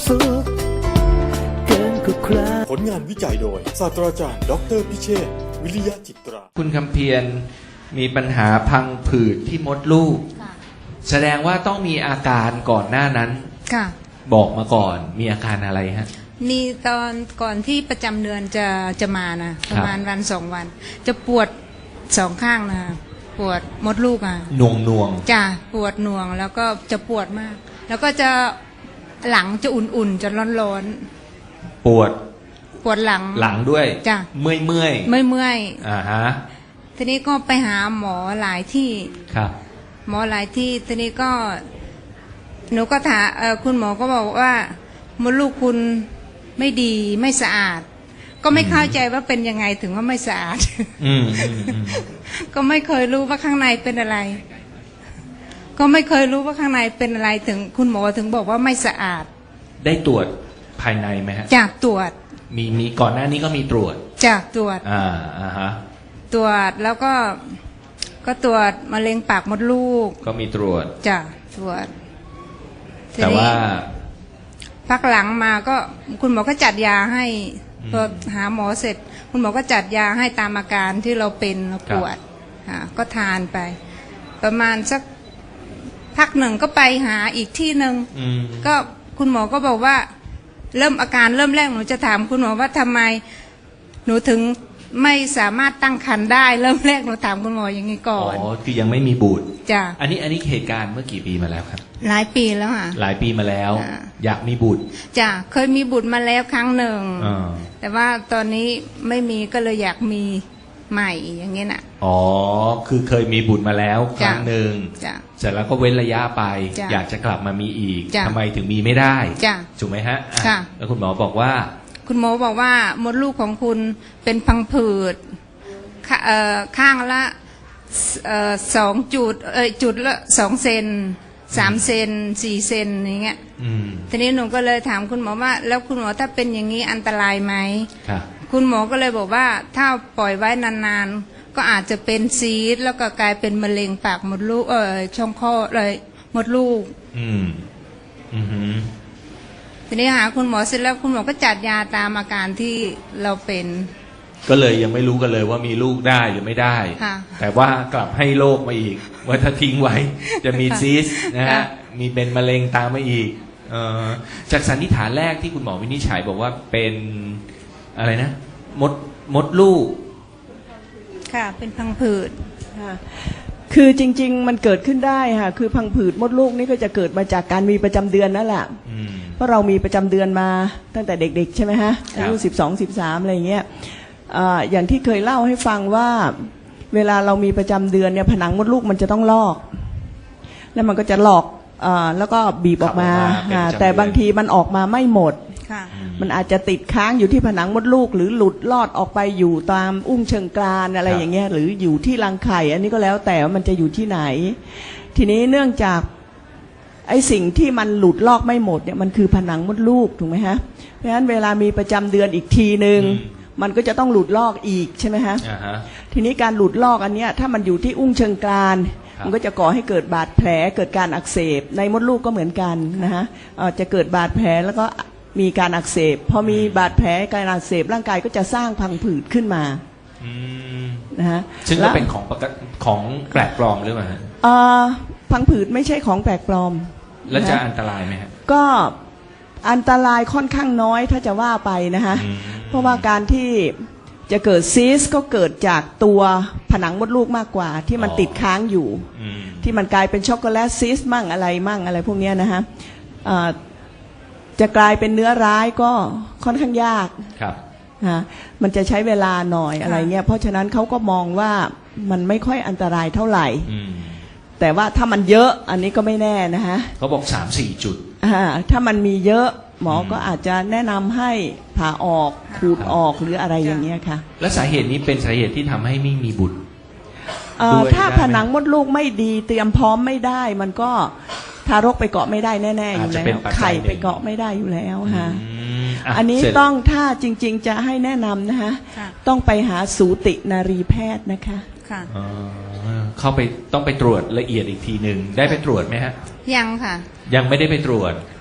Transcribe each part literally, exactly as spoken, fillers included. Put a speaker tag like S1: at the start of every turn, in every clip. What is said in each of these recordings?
S1: สุขเกินกว่าใคร
S2: ผลงานวิจัยโดยศาสตราจารย์ดอกเตอรพิเชษฐ์วิริยะจิตรา
S3: คุณคำเพียรมีปัญหาพังผืดที่มดลูก
S4: ค่ะ
S3: แสดงว่าต้องมีอาการก่อนหน้านั้น
S4: ค่ะ
S3: บอกมาก่อนมีอาการอะไรฮะ
S4: มีตอนก่อนที่ประจำเดือนจะจะมานะประมาณวันสองวัน จะปวดสองข้างนะปวดมดลูกอ่ะ
S3: หน่วงหน่วง
S4: จะปวดหน่วงแล้วก็จะปวดมาก แล้วก็จะหลังจะอุ่นๆจะร้อน
S3: ปวด
S4: ๆปวดหลัง
S3: หลังด้วย
S4: จ้ะ
S3: เมื่อยเมื่อย
S4: ไม่เมื่อย
S3: อ่าฮะ
S4: ทีนี้ก็ไปหาหมอหลายที่
S3: ครับ
S4: หมอหลายที่ทีนี้ก็ หนูก็ถามเอ่อคุณหมอก็บอกว่ามดลูกคุณไม่ดีไม่สะอาด ก็ไม่เข้าใจว่าเป็นยังไงถึงว่าไม่สะอาด
S3: อืมอืมอืม
S4: ก็ไม่เคยรู้ว่าข้างในเป็นอะไร ก็ไม่เคยรู้ว่าข้างในเป็นอะไรถึงคุณหมอถึงบอกว่าไม่สะอาด
S3: ได้ตรวจภายในไหมฮะ
S4: จากตรวจ
S3: มีมีก่อนหน้านี้ก็มีตรวจ
S4: จากตรวจ
S3: อ่าอ่าฮะ
S4: ตรวจแล้วก็ก็ตรวจมะเร็งปากมดลูก
S3: ก็มีตรวจ
S4: จ้ะตรวจที
S3: แต่
S4: นี้
S3: ว่า
S4: พักหลังมาก็คุณหมอก็จัดยาให้
S3: อืม
S4: พอหาหมอเสร็จ คุณหมอก็จัดยาให้ตามอาการที่เราเป็นเราปวดค่ะก็ทานไป ประมาณสักพักหนึ่งก็ไปหาอีกที่หนึ่ง
S3: อืม
S4: ก็คุณหมอก็บอกว่า เริ่มอาการเริ่มแรกหนูจะถามคุณหมอว่าทำไมหนูถึงไม่สามารถตั้งครรภ์ได้ เริ่มแรกหนูถามคุณหมออย่างนี้ก่
S3: อ๋
S4: อ
S3: อน คือยังไม่มีบุตร
S4: จ้ะ
S3: อันนี้อันนี้เหตุการณ์เมื่อกี่ปีมาแล้วครับ
S4: หลายปีแล้วค่ะ
S3: หลายปีมาแล้ว
S4: อ่า
S3: อยากมีบุตร
S4: จ้ะเคยมีบุตรมาแล้วครั้งหนึ่ง
S3: อ่า
S4: แต่ว่าตอนนี้ไม่มีก็เลยอยากมีใหม่อย่างเงี้ยน่ะ
S3: อ๋อ คือเคยมีบุตรมาแล้วค
S4: จ้ะ
S3: รั้งหนึ่ง
S4: จ้ะ
S3: เสร็จแล้วก็เว้นระยะไป
S4: จ้ะ
S3: อยากจะกลับมามีอีก
S4: จ้ะ
S3: ทำไมถึงมีไม่ได้
S4: จ้ะ
S3: ถูกไหมฮะอ่
S4: ค่ะ
S3: แล้วคุณหมอบอกว่า
S4: คุณหมอบอกว่ามดลูกของคุณเป็นพังผืดขเอ่อข้างละเอ่อสองจุดเอ้ยจุดละสองเซนสามเซนสี่เซนอย่างเงี้ย
S3: อืม
S4: ทีนี้หนูก็เลยถามคุณหมอว่า แล้วคุณหมอถ้าเป็นอย่างนี้อันตรายไหม
S3: ค่ะ
S4: คุณหมอก็เลยบอกว่าถ้าปล่อยไว้นานๆ ก็อาจจะเป็นซีสต์แล้วก็กลายเป็นมะเร็งปากมดลูกเออช่องคลอดเลยมดลูก
S3: อืม อือหือ
S4: ทีนี้หาคุณหมอเสร็จแล้วคุณหมอก็จัดยาตามอาการที่เราเป็น
S3: ก็เลยยังไม่รู้กันเลยว่ามีลูกได้หรือไม่ได้
S4: ค่ะ
S3: แต่ว่ากลับให้โรคมาอีก ว่าถ้าทิ้งไว้ จะมีซีสต์นะฮะ
S4: ค่ะ
S3: มีเป็นมะเร็งตามมาอีกเอ่อจากสันนิษฐานแรกที่คุณหมอวินิจฉัยบอกว่าเป็นอะไรนะ มดมดลูก
S4: ค่ะ เป็นพังผืด
S5: ค่ะคือจริงๆมันเกิดขึ้นได้ค่ะคือพังผืดมดลูกนี่ก็จะเกิดมาจากการมีประจำเดือนนั่นแหละ
S3: อืม
S5: เพราะเรามีประจำเดือนมาตั้งแต่เด็กๆใช่ไหมฮะ
S3: ครับ
S5: อายุสิบสองสิบสามอะไรอย่างเงี้ยอ่าอย่างที่เคยเล่าให้ฟังว่าเวลาเรามีประจำเดือนเนี่ยผนังมดลูกมันจะต้องลอก แล้วมันก็จะหลอกอาแล้วก็บีบออกมา
S3: ขับออกมาเป็น
S5: อ่า
S3: ประจำเดือน
S5: แต่บางทีมันออกมาไม่หมด
S4: ค่ะ
S5: มันอาจจะติดค้างอยู่ที่ผนังมดลูก หรือหลุดลอดออกไปอยู่ตามอุ้งเชิงกรานอะไรอย่างเงี้ยหรืออยู่ที่รังไข่ อันนี้ก็แล้วแต่ว่ามันจะอยู่ที่ไหน ทีนี้เนื่องจากไอ้สิ่งที่มันหลุดลอกไม่หมดเนี่ยมันคือผนังมดลูกถูกไหมฮะเพราะฉะนั้นเวลามีประจำเดือนอีกทีหนึ่ง
S3: อืม
S5: มันก็จะต้องหลุดลอกอีกใช่ไหมฮะ
S3: อ่าฮะ
S5: ทีนี้การหลุดลอกอันเนี้ยถ้ามันอยู่ที่อุ้งเชิงกราน
S3: ครับ
S5: มันก็จะก่อให้เกิดบาดแผลเกิดการอักเสบในมดลูกก็เหมือนกันนะฮะเอ่อจะเกิดบาดแผลแล้วก็มีการอักเสบพอมีบาดแผลการอักเสบร่างกายก็จะสร้างพังผืดขึ้นมา
S3: อืม
S5: นะฮะ
S3: ซึ่งก็
S5: และ
S3: เป็นของปกติของแปลกปลอมหรือเปล่าฮะ
S5: เอ่อพังผืดไม่ใช่ของแปลกปลอม
S3: แล้วจะ
S5: นฮ
S3: อันตรายไหมฮะ
S5: ก็อันตรายค่อนข้างน้อยถ้าจะว่าไปนะฮะ
S3: อืม
S5: เพราะว่าการที่จะเกิดซีสต์ก็เกิดจากตัวผนังมดลูกมากกว่า ที่มันติดค้างอยู่
S3: อืม
S5: ที่มันกลายเป็นช็อกโกแลตซีสต์มั่งอะไรมั่งอะไรพวกเนี้ยนะฮะเอ่อจะกลายเป็นเนื้อร้ายก็ค่อนข้างยาก
S3: ครับ
S5: ฮะมันจะใช้เวลาหน่อยอะไรเงี้ยเพราะฉะนั้นเขาก็มองว่ามันไม่ค่อยอันตรายเท่าไหร่
S3: อืม
S5: แต่ว่าถ้ามันเยอะอันนี้ก็ไม่แน่นะฮะ
S3: เขาบอกสามสี่จุด
S5: อ่าถ้ามันมีเยอะหมออ
S3: ม
S5: ก็อาจจะแนะนำให้ผ่าออกขูดออกหรืออะไรอย่างเงี้ยค่ะ
S3: และสาเหตุนี้เป็นสาเหตุที่ทำให้ไม่มีบุตร
S5: เอ่อ
S3: ด้วย
S5: ถ้า
S3: ได้ไหม
S5: ผนังมดลูกไม่ดีเตรียมพร้อมไม่ได้ มันก็ทารกไปเกาะไม่ได้แน่ๆอยู่
S3: อาจจะ
S5: แล้
S3: เป็น
S5: ว
S3: ปัจจัย
S5: ไข่
S3: หนึ่ง
S5: ไปเกาะไม่ได้อยู่แล้วฮะ
S3: อืมะ
S5: อันนี้
S3: เสร็จ
S5: ต้องถ้าจริงๆจะให้แนะนำนะคะ
S4: ค่ะ
S5: ต้องไปหาสูตินารีแพทย์นะคะ
S4: ค่ะ
S3: อ๋อเข้าไปต้องไปตรวจละเอียดอีกทีหนึ่งได้ไปตรวจไหมฮะ
S4: ยังค่ะ
S3: ยังไม่ได้ไปตรวจ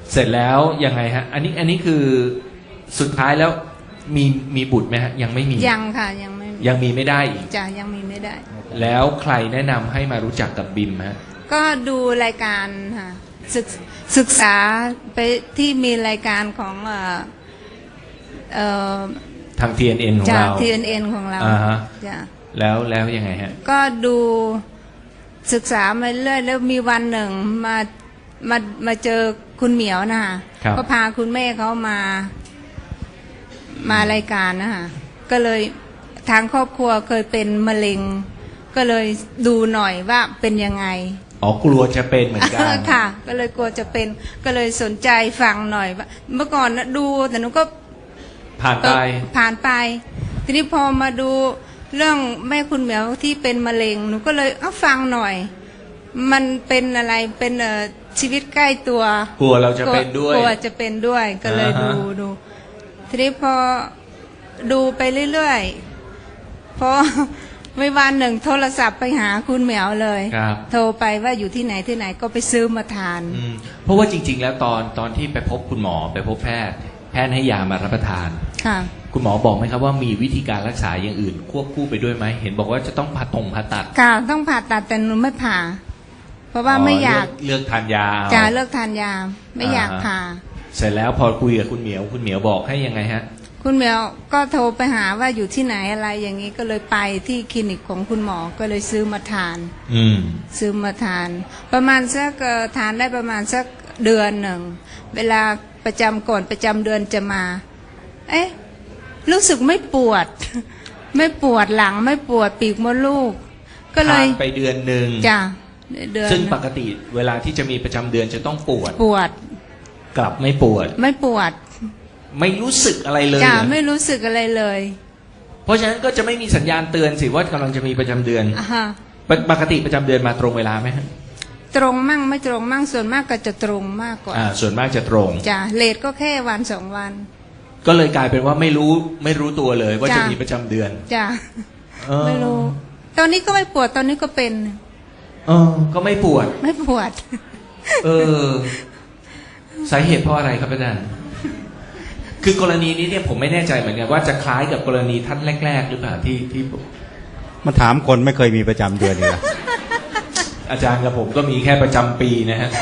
S3: เสร็จแล้วยังไงฮะ อันนี้อันนี้คือสุดท้ายแล้วมีมีบุตรไหมฮะยังไม่มี
S4: ยังค่ะยังไม่
S3: ยังมีไม่ได้อีก
S4: จ้ะยังมีไม่ได้
S3: แล้วใครแนะนำให้มารู้จักกับบิมฮะ
S4: ก็ดูรายการค่ะศึกศึกษาไปที่มีรายการของเอ่อเอ่อ
S3: ทาง ที เอ็น เอ็น ของ
S4: จาก
S3: เรา
S4: ที เอ็น เอ็น ของเรา
S3: อ่าฮะ
S4: จ้ะ
S3: แล้วแล้วยังไงฮะ
S4: ก็ดูศึกษามาเรื่อยแล้วมีวันหนึ่งมามามาเจอคุณเหมียวนะคะ
S3: ครับ
S4: ก็พาคุณแม่เขามามารายการนะคะก็เลยทางครอบครัวเคยเป็นมะเร็ง ก็เลยดูหน่อยว่าเป็นยังไง
S3: อ๋อกลัวจะเป็นเหมือนกัน
S4: ค่ะ ก็เลยกลัวจะเป็นก็เลยสนใจฟังหน่อยว่าเมื่อก่อนนะดูแต่หนูก็
S3: ผ่าน
S4: เอ
S3: ไป
S4: อผ่านไป ทีนี้พอมาดูเรื่องแม่คุณเหมียวที่เป็นมะเร็งหนูก็เลยเอาฟังหน่อย มันเป็นอะไรเป็นเอ่อชีวิตใกล้ตัว
S3: กลัวเราจะเป็นด้วย
S4: กลัวจะเป็นด้วยก็เลย
S3: อ่า
S4: ดู
S3: ฮะ
S4: ดูทีนี้พอดูไปเรื่อยๆพอ ไม่วันหนึ่งโทรศัพท์ไปหาคุณเหมียวเลย
S3: ครับ
S4: โทรไปว่าอยู่ที่ไหนที่ไหนก็ไปซื้อมาทาน
S3: อืมเพราะว่าจริง ๆ แล้วตอนตอนที่ไปพบคุณหมอไปพบแพทย์ แพทย์ให้ยามารับประทาน
S4: ค่ะ
S3: คุณหมอบอกไหมครับว่ามีวิธีการรักษาอย่างอื่น ควบคู่ไปด้วยไหมเห็นบอกว่าจะต้องผ่าตรงผ่าตัด
S4: ค่ะต้องผ่าตัดแต่หนูไม่ผ่า เพราะว่าไม่อยาก
S3: เลือกเลือกทานยาเอา
S4: จะเลิกทานยาไม่อยาก
S3: อ่าฮะ
S4: ผ่า
S3: เสร็จแล้วพอคุยกับคุณเหมียวคุณเหมียวบอกให้ยังไงฮะ
S4: คุณเหมียวก็โทรไปหาว่าอยู่ที่ไหนอะไรอย่างนี้ก็เลยไปที่คลินิกของคุณหมอก็เลยซื้อมาทาน
S3: อืม
S4: ซื้อมาทาน ประมาณสักเอ่อทานได้ประมาณสักเดือนหนึ่งเวลาประจำก่อนประจำเดือนจะมา เอ๊ะรู้สึกไม่ปวด ไม่ปวดหลังไม่ปวดปีกมดลูก ก็เล
S3: ทาย นไปเดือนหนึ่ง
S4: จ้ะเดือน
S3: ซึ่งปกติเวลาที่จะมีประจำเดือนจะต้องปวด
S4: ปวด
S3: กลับไม่ปวด
S4: ไม่ปวด
S3: ไม่รู้สึกอะไรเลย
S4: จ้ะ
S3: เหรอ
S4: ไม่รู้สึกอะไรเลย
S3: เพราะฉะนั้นก็จะไม่มีสัญญาณเตือนสิว่ากำลังจะมีประจำเดือน
S4: อ่าฮะ
S3: ปกปกติประจำเดือนมาตรงเวลาไหมฮะ
S4: ตรงมั่งไม่ตรงมั่งส่วนมากก็จะตรงมากกว่า
S3: อ่า ส่วนมากจะตรง
S4: จ้ะเลทก็แค่วันสองวัน
S3: ก็เลยกลายเป็นว่าไม่รู้ไม่รู้ตัวเลยว่า
S4: จ้ะ
S3: จะมีประจำเดือน
S4: จ้ะ
S3: เออ
S4: ไม่รู้ ตอนนี้ก็ไม่ปวดตอนนี้ก็เป็น
S3: เออก็ไม่ปวด
S4: ไม่ปวด
S3: เออ สาเหตุเพราะอะไรครับอาจารย์ คือกรณีนี้เนี่ยผมไม่แน่ใจเหมือนกันว่าจะคล้ายกับกรณีท่านแรก ๆ หรือเปล่าที่ที่
S6: มาถามคนไม่เคยมีประจำเดือนเลย
S3: อาจารย์กับผมก็มีแค่ประจำปีนะฮะ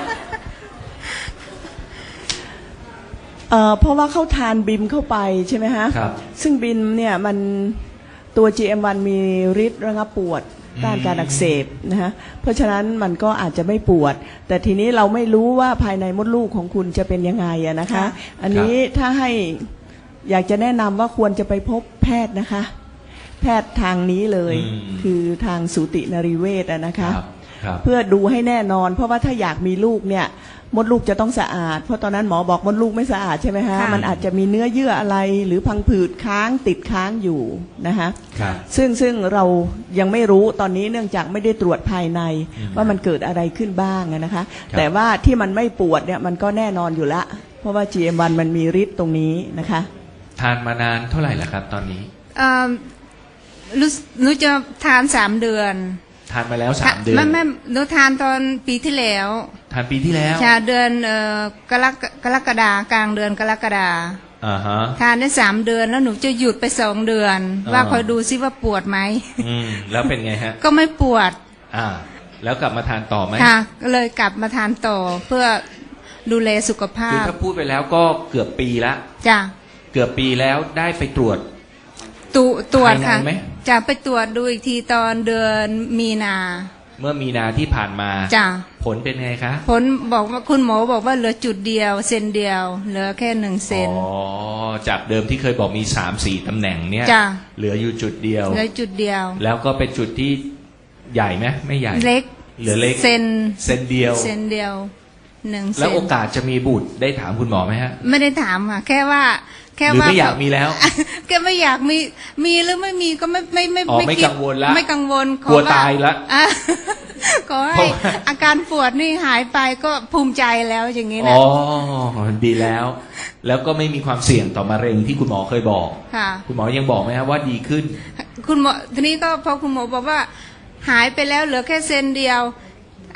S5: เอ่อเพราะว่าเขาทานบิมเข้าไปใช่ไหมฮะ
S3: ครับ
S5: ซึ่งบิมเนี่ยมันตัว จี เอ็ม วัน มีฤทธิ์ระงับปวดต้านการอักเสบนะฮะเพราะฉะนั้นมันก็อาจจะไม่ปวด แต่ทีนี้เราไม่รู้ว่าภายในมดลูกของคุณจะเป็นยังไงอะนะคะ
S4: ค่ะ
S5: อันนี้ถ้าให้อยากจะแนะนำว่าควรจะไปพบแพทย์นะคะ แพทย์ทางนี้เลย
S3: อืม
S5: คือทางสูตินรีเวชอะนะคะ
S3: ครับครับ
S5: เพื่อดูให้แน่นอน เพราะว่าถ้าอยากมีลูกเนี่ยมดลูกจะต้องสะอาด เพราะตอนนั้นหมอบอกมดลูกไม่สะอาดใช่ไหมฮะ
S4: ค่ะ
S5: มันอาจจะมีเนื้อเยื่ออะไรหรือพังผืดค้างติดค้างอยู่นะคะ
S3: ครับ
S5: ซึ่งซึ่งเรายังไม่รู้ตอนนี้เนื่องจากไม่ได้ตรวจภายใน
S3: อืม
S5: ว่ามันเกิดอะไรขึ้นบ้างอะนะคะ
S3: ครับ
S5: แต่ว่าที่มันไม่ปวดเนี่ยมันก็แน่นอนอยู่ละ เพราะว่า จี เอ็ม วัน มันมีฤทธิ์ตรงนี้นะคะ
S3: ทานมานานเท่าไหร่แล้วครับ ตอนนี้
S4: เอ่อรู้รู้จะทานสามเดือน
S3: ทานมาแล้วสามเดือน
S4: ไม่ไม่หนูทานตอนปีที่แล้ว
S3: ทานปีที่แล้ว
S4: ชาเดือนเอ่อกรกกรกฎากลางเดือนกรกฎา
S3: อ่าฮะ
S4: ทานได้สามเดือนแล้วหนูจะหยุดไปสองเดือน
S3: อ่า
S4: ว่าคอยดูซิว่าปวดไหม
S3: อืมแล้วเป็นไงฮะ
S4: ก็ไม่ปวด
S3: อ่า แล้วกลับมาทานต่อไหม
S4: ค่ะก็เลยกลับมาทานต่อเพื่อดูแลสุขภา
S3: คือ
S4: พ
S3: ถ้าพูดไปแล้วก็เกือบปีละ
S4: จ้ะ
S3: เกือบปีแล้วได้ไปตรวจ
S4: ตุตรวจค่ะ
S3: ภายในไหม
S4: จะไปตรวจดูอีกทีตอนเดือนมีนา
S3: เมื่อมีนาที่ผ่านมา
S4: จ้ะ
S3: ผลเป็นไงคะ
S4: ผลบอกว่าคุณหมอบอกว่าเหลือจุดเดียวเซนเดียว เหลือแค่หนึ่งเซน
S3: อ๋อ จากเดิมที่เคยบอกมีสามสี่ตำแหน่งเนี่ย
S4: จ้ะ
S3: เหลืออยู่จุดเดียว
S4: เหลือจุดเดียว
S3: แล้วก็เป็นจุดที่ใหญ่ไหมไม่ใหญ่
S4: เล็ก
S3: เหลือเล็ก
S4: เซน
S3: เซนเดียว
S4: เซนเดียวหนึ่งเซ
S3: แล้ว
S4: น
S3: โอกาสจะมีบุตรได้ถามคุณหมอไหมฮะ
S4: ไม่ได้ถามค่ะแค่ว่า แค่
S3: หรือ
S4: ว่า
S3: ไม่อยากมีแล้ว
S4: แค่ไม่อยากมีมีหรือไม่มีก็ไม่ไม่ไม่
S3: อ๋อไม่
S4: คิด
S3: กังวลละ
S4: ไม่กังวลข
S3: กลัว
S4: อ
S3: ตายละ
S4: อ่ะ ขอ
S3: เพ
S4: ให้
S3: ราะว่า
S4: อาการปวดนี่หายไปก็ภูมิใจแล้วอย่างนี้
S3: อ๋
S4: นะ
S3: อ ดีแล้ว แล้วก็ไม่มีความเสี่ยงต่อมะเร็งที่คุณหมอเคยบอก
S4: ค่ะ
S3: คุณหมอยังบอกไหมครับว่าดีขึ้น
S4: คุณหมอทีนี้ก็พอคุณหมอบอกว่า หายไปแล้วเหลือแค่เซนเดียว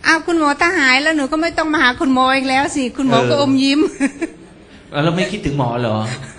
S4: อ้าวคุณหมอถ้าหายแล้วหนูก็ไม่ต้องมาหาคุณหมออีกแล้วสิคุณหมอก็อมยิ้ม
S3: แล้วไม่คิดถึงหมอเหรอ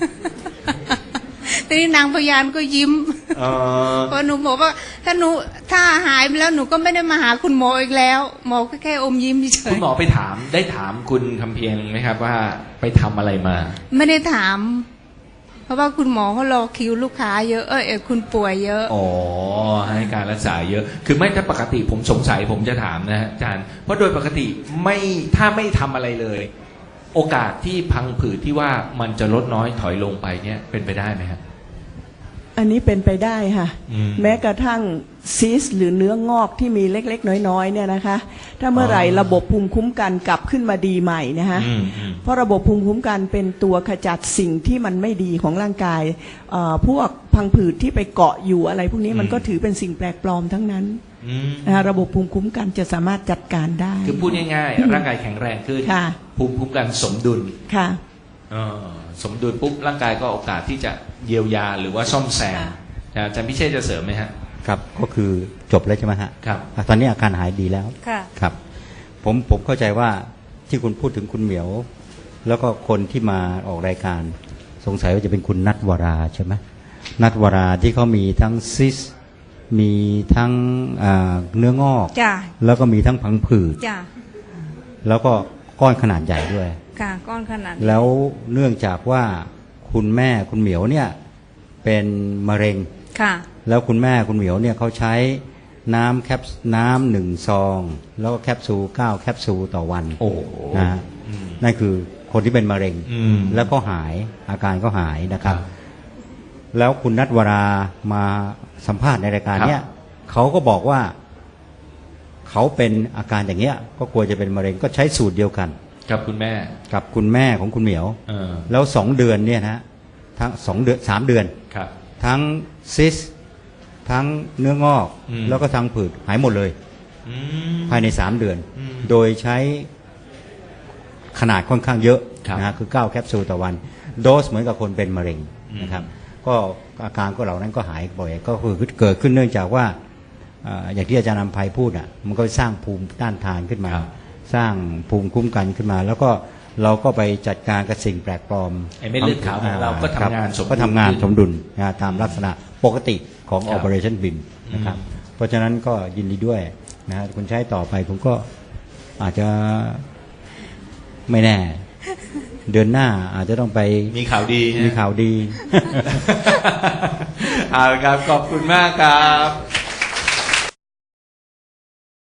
S4: ทีนี้นางพยานก็ยิ้ม
S3: เออ
S4: เพราะหนูบอกว่าถ้าหนูถ้าหายไปแล้วหนูก็ไม่ได้มาหาคุณหมออีกแล้ว หมอก็แค่อมยิ้มเฉ
S3: คุ
S4: ย
S3: ณหมอไปถามได้ถามคุณคำเพียงไหมครับว่าไปทำอะไรมา
S4: ๆไม่ได้ถาม เพราะว่าคุณหมอเขารอคิวลูกค้าเยอะเออเออคุณป่วยเยอะ
S3: อ๋อให้การรักษาเยอะ คือไม่ถ้าปกติผมสงสัยผมจะถามนะฮะอาจารย์เพราะโดยปกติไม่ถ้าไม่ทำอะไรเลย โอกาสที่พังผืดที่ว่ามันจะลดน้อยถอยลงไปเนี่ยเป็นไปได้ไหมครับ
S5: อันนี้เป็นไปได้ค่ะ
S3: อืม
S5: แม้กระทั่งซีสต์หรือเนื้องอกที่มีเล็กๆ น้อยๆเนี่ยนะคะ ถ้าเมื่อไหร่
S3: อ๋อ
S5: ระบบภูมิคุ้มกันกลับขึ้นมาดีใหม่นะคะ
S3: อืมอืม
S5: เพราะระบบภูมิคุ้มกันเป็นตัวขจัดสิ่งที่มันไม่ดีของร่างกายเอ่อพวกพังผืดที่ไปเกาะอยู่อะไรพวกนี้มันก็ถือเป็นสิ่งแปลกปลอมทั้งนั้น
S3: อืม
S5: นะคะระบบภูมิคุ้มกันจะสามารถจัดการได้
S3: คือพูดง่ายๆร่างกายแข็งแรงขึ้น
S5: ค่ะ
S3: ภูมิคุ้มกันสมดุล
S5: ค่ะ
S3: เออสมดุลปุ๊บร่างกายก็โอกาสที่จะเยียวยาหรือว่าซ่อมแซมอาจารย์พิเชษจะเสริมไหมฮะ
S6: ครับก็คือจบแล้วใช่ไหมฮะ
S3: ครับ
S6: อ่ะตอนนี้อาการหายดีแล้ว
S4: ค่ะ
S6: ครับ ผมผมเข้าใจว่าที่คุณพูดถึงคุณเหมียว แล้วก็คนที่มาออกรายการ สงสัยว่าจะเป็นคุณนัทวราใช่ไหมนัทวราที่เขามีทั้งซิส มีทั้งอ่าเนื้องอก
S4: จ้ะ
S6: แล้วก็มีทั้งพังผืด
S4: จ้ะ
S6: แล้วก็ก้อนขนาดใหญ่ด้วย
S4: ค่ะก้อนขนาดนี้
S6: แล้วเนื่องจากว่าคุณแม่คุณเหมียวเนี่ยเป็นมะเร็ง
S4: ค่ะ
S6: แล้วคุณแม่คุณเหมียวเนี่ยเขาใช้น้ำแคปน้ำหนึ่งซอง แล้วก็แคปซูลเก้าแคปซูลต่อวัน
S3: โอ้
S6: นะฮะ
S3: อืม
S6: นั่นคือคนที่เป็นมะเร็ง
S3: อืม
S6: แล้วก็หายอาการก็หายนะครับ แล้วคุณนัทวรามาสัมภาษณ์ในรายการเนี้ยเขาก็บอกว่าเขาเป็นอาการอย่างเงี้ย ก็กลัวจะเป็นมะเร็งก็ใช้สูตรเดียวกัน
S3: กับคุณแม่
S6: กับคุณแม่ของคุณเหมียว
S3: เออ
S6: แล้วสองเดือนเนี่ยนะทั้งสองเดือนสามเดือน
S3: ครับ
S6: ทั้งซิส ทั้งเนื้องอก
S3: อืม
S6: แล้วก็ทั้งผืดหายหมดเลย
S3: อืม
S6: ภายในสามเดือน
S3: อืม
S6: โดยใช้ขนาดค่อนข้างเยอะ
S3: ครับ
S6: นะฮะคือเก้าแคปซูลต่อวัน โดสเหมือนกับคนเป็นมะเร็ง
S3: อืม
S6: นะครับ ก็อาการก็เหล่านั้นก็หายบ่อย ก็คือเกิดขึ้นเนื่องจากว่าเอ่ออย่างที่อาจารย์นำภัยพูดอ่ะมันก็สร้างภูมิต้านทานขึ้นมา สร้างภูมิคุ้มกันขึ้นมา แล้วก็เราก็ไปจัดการกับสิ่งแปลกปลอม
S3: ไอ้เม็ดเลือดขาวของเราก็ทำงานสมดุล
S6: ก็ทำงานสมดุลนะตามลักษณะปกติของ
S3: ครับ
S6: Operation B I M นะครับ เพราะฉะนั้นก็ยินดีด้วยนะฮะคุณใช้ต่อไปผมก็อาจจะไม่แน่ เดือนหน้าอาจจะต้องไป
S3: มีข่าวดีฮะ
S6: มีข่าวดี
S3: เอาละครับ ขอบคุณมากครับ